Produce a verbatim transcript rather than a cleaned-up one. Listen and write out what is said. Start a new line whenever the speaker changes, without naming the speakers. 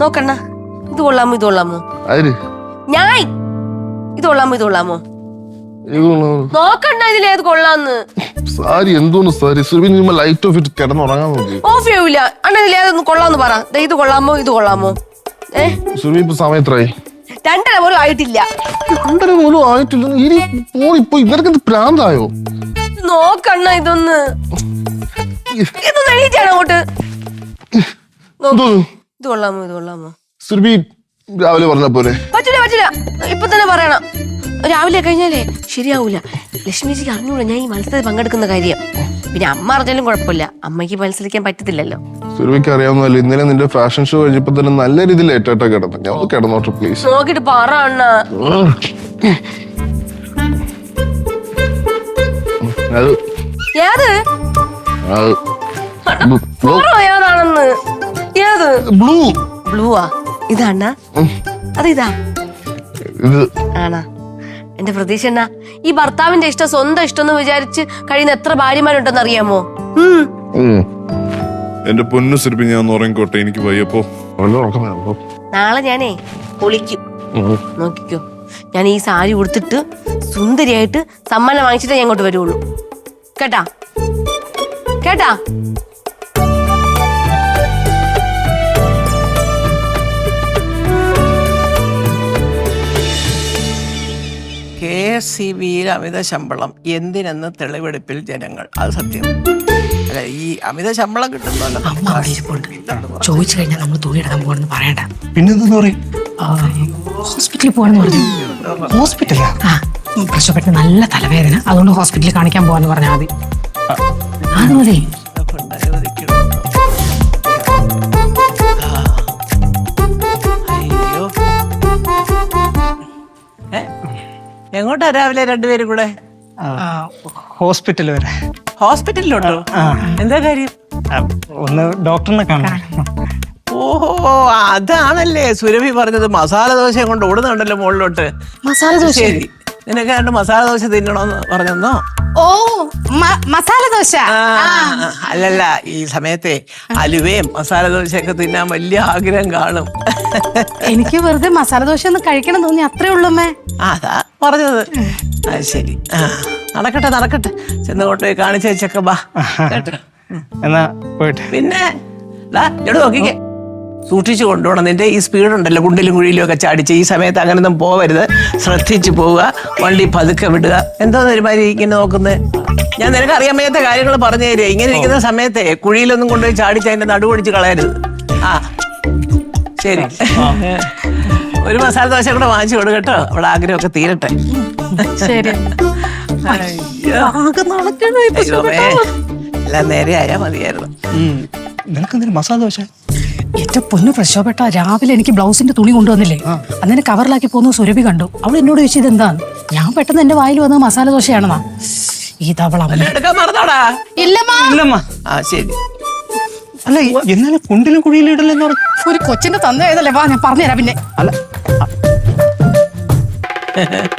നോക്കണ്ണ, ഇത് കൊള്ളാമോ ഇത് കൊള്ളാമോ? ഞാൻ ഇത് കൊള്ളാമോ ഇത് കൊള്ളാമോ നോക്കണ്ട, ഇതിലേത് കൊള്ളാന്ന്.
സാരി എന്തോന്ന് സാരി ലൈറ്റ് ഓഫ് ഇട്ട് കിടന്നുറങ്ങാൻ നോക്കി.
ഓഫ് ചെയ്യൂല അണ്ണ, ഇതിലേതൊന്ന് കൊള്ളാന്ന് പറ. ഇത് കൊള്ളാമോ ഇത് കൊള്ളാമോ? ഏഹ്
സമയത്രായി?
രണ്ടര പോലും ആയിട്ടില്ല.
രണ്ടര പോലും ആയിട്ടില്ല. ഇപ്പൊ ഇവർക്ക് പ്രാന്തായോ?
നോക്കണ്ണ, ഇതൊന്ന് ഇതൊന്ന് എണീറ്റാണ് അങ്ങോട്ട്. ഇത് കൊള്ളാമോ ഇത് കൊള്ളാമോ?
സുരഭി രാവിലെ പറഞ്ഞ പോലെ
പറ്റില്ല പറ്റില്ല, ഇപ്പൊ തന്നെ പറയണം. രാവിലെ കഴിഞ്ഞാലേ ശരിയാവൂല. ലക്ഷ്മിജിക്ക് അറിഞ്ഞൂടാ ഞാൻ ഈ മത്സരത്തിൽ പങ്കെടുക്കുന്ന കാര്യം. പിന്നെ അമ്മ അറിഞ്ഞാലും കുഴപ്പമില്ല, അമ്മയ്ക്ക് മത്സരിക്കാൻ പറ്റത്തില്ലല്ലോ.
സുരഭിക്ക് അറിയാവുന്നല്ലോ, ഇന്നലെ നിന്റെ ഫാഷൻ ഷോ കഴിഞ്ഞപ്പോ തന്നെ നല്ല രീതിയിൽ ഏറ്റായിട്ടാ കിടന്നു. ഞാൻ കിടന്നോട്ടെ പ്ലീസ്.
നോക്കിട്ട് പറ അണ്ണ. ഏത് ഏതാണെന്ന്? ഏത്
ബ്ലൂ?
ബ്ലൂവാ? ഇതാണ്ണ? അതിതാ ആണാ? എന്റെ പ്രതീക്ഷ എന്നാ, ഈ ഭർത്താവിന്റെ ഇഷ്ടം സ്വന്തം ഇഷ്ടം എന്ന് വിചാരിച്ച് കഴിയുന്ന എത്ര ഭാര്യമാരുണ്ടെന്ന് അറിയാമോ?
എന്റെ പൊന്നു സുരഭി, ഞാൻ ഉറങ്ങിക്കോട്ടെ, എനിക്ക് വയ്യപ്പോ.
നാളെ ഞാനേ പൊളിക്കും, നോക്കിക്കോ. ഞാൻ ഈ സാരി ഉടുത്തിട്ട് സുന്ദരിയായിട്ട് സമ്മാനം വാങ്ങിച്ചിട്ടേ ഞാൻ ഇങ്ങോട്ട് വരുള്ളൂ. കേട്ടാ കേട്ടാ?
കെ എസ് സി ബിയിൽ അമിത ശമ്പളം എന്തിനെന്ന് തെളിവെടുപ്പിൽ ജനങ്ങൾ. അത് സത്യം അല്ല, ഈ അമിത ശമ്പളം കിട്ടുന്നല്ലോ.
ചോദിച്ചു കഴിഞ്ഞാൽ നമ്മൾ തുണി എടുക്കാൻ പോകണമെന്ന് പറയണ്ട.
പിന്നെന്തെന്ന് പറയും?
ഹോസ്പിറ്റലിൽ പോകണമെന്ന് പറഞ്ഞു.
ഹോസ്പിറ്റലാ?
ആ, പ്രശ്നപ്പെട്ട് നല്ല തലവേദന, അതുകൊണ്ട് ഹോസ്പിറ്റലിൽ കാണിക്കാൻ പോവാന്ന് പറഞ്ഞാൽ മതി. അത് മതി.
അയ്യോ, എങ്ങോട്ടാ രാവിലെ രണ്ടുപേരും കൂടെ?
ഹോസ്പിറ്റൽ വരെ.
ഹോസ്പിറ്റലിലോട്ടോ? എന്താ കാര്യം?
ഒന്ന് ഡോക്ടറിനെ കാണാൻ.
ഓഹോ, അതാണല്ലേ സുരഭി പറഞ്ഞത്. മസാല ദോശ കൊണ്ട് ഓടുന്നുണ്ടല്ലോ മുകളിലോട്ട്.
മസാല ദോശ?
ശരി, നിനക്ക് രണ്ട് മസാല ദോശ തിന്നണോന്ന് പറഞ്ഞെന്നോ?
ഓ, മസാല ദോശ.
അല്ലല്ല, ഈ സമയത്തെ അലുവയും മസാല ദോശയൊക്കെ തിന്നാൻ വലിയ ആഗ്രഹം കാണും.
എനിക്ക് വെറുതെ മസാല ദോശ ഒന്ന് കഴിക്കണം തോന്നി, അത്രേ ഉള്ളൂമ്മേ.
അതാ പറഞ്ഞത്. അത് ശരി, ആ നടക്കട്ടെ നടക്കട്ടെ, ചെന്ന് കൊണ്ടുപോയി കാണിച്ചേച്ചൊക്കെ ബാ.
എന്നാ പോയിട്ട്.
പിന്നെ നോക്കിക്കേ, സൂക്ഷിച്ചു കൊണ്ടുപോകണം. നിന്റെ ഈ സ്പീഡ് ഉണ്ടല്ലോ, കുണ്ടിലും കുഴിയിലും ഒക്കെ ചാടിച്ച് ഈ സമയത്ത് അങ്ങനൊന്നും പോവരുത്. ശ്രദ്ധിച്ചു പോവുക, വണ്ടി പതുക്കെ വിടുക. എന്തോന്ന് ഒരുമാതിരി ഇങ്ങനെ നോക്കുന്നത്? ഞാൻ നിനക്ക് അറിയാൻ വയ്യാത്ത കാര്യങ്ങൾ പറഞ്ഞു തരിക. ഇങ്ങനെ ഇരിക്കുന്ന സമയത്തെ കുഴിയിലൊന്നും കൊണ്ടുപോയി ചാടിച്ച് അതിന്റെ നടുവടിച്ച് കളയരുത്. ആ ശരി, ഒരു മസാല ദോശ കൂടെ വാങ്ങിച്ചു കൊടു കേട്ടോ, അവിടെ ആഗ്രഹമൊക്കെ തീരട്ടെ.
ശരി.
എല്ലാം നേരെ ആയാ മതിയായിരുന്നു.
നിനക്ക് എന്തിനാ മസാല ദോശ?
ഏറ്റവും പൊന്നു പ്രശോഭപ്പെട്ട, രാവിലെ എനിക്ക് ബ്ലൗസിന്റെ തുണി കൊണ്ടുവന്നില്ലേ, അതിനെ കവറിലാക്കി പോകുന്ന സുരഭി കണ്ടു. അവൾ എന്നോട് ചോദിച്ചത് എന്താന്ന്. ഞാൻ പെട്ടെന്ന് എന്റെ വായിൽ വന്നത് മസാല ദോശയാണെന്നാ. ഇതവള
എടുക്കാൻ മറന്നോടാ?
ഇല്ലമ്മ.
ആ ശരി.
അല്ല, എന്നാലും കുണ്ടിലും കുഴിയിലും ഇടലെന്ന് പറഞ്ഞു.
ഒരു കൊച്ചിന്റെ തന്നേതല്ലേ, വാ ഞാൻ പറഞ്ഞുതരാം. പിന്നെ
അല്ല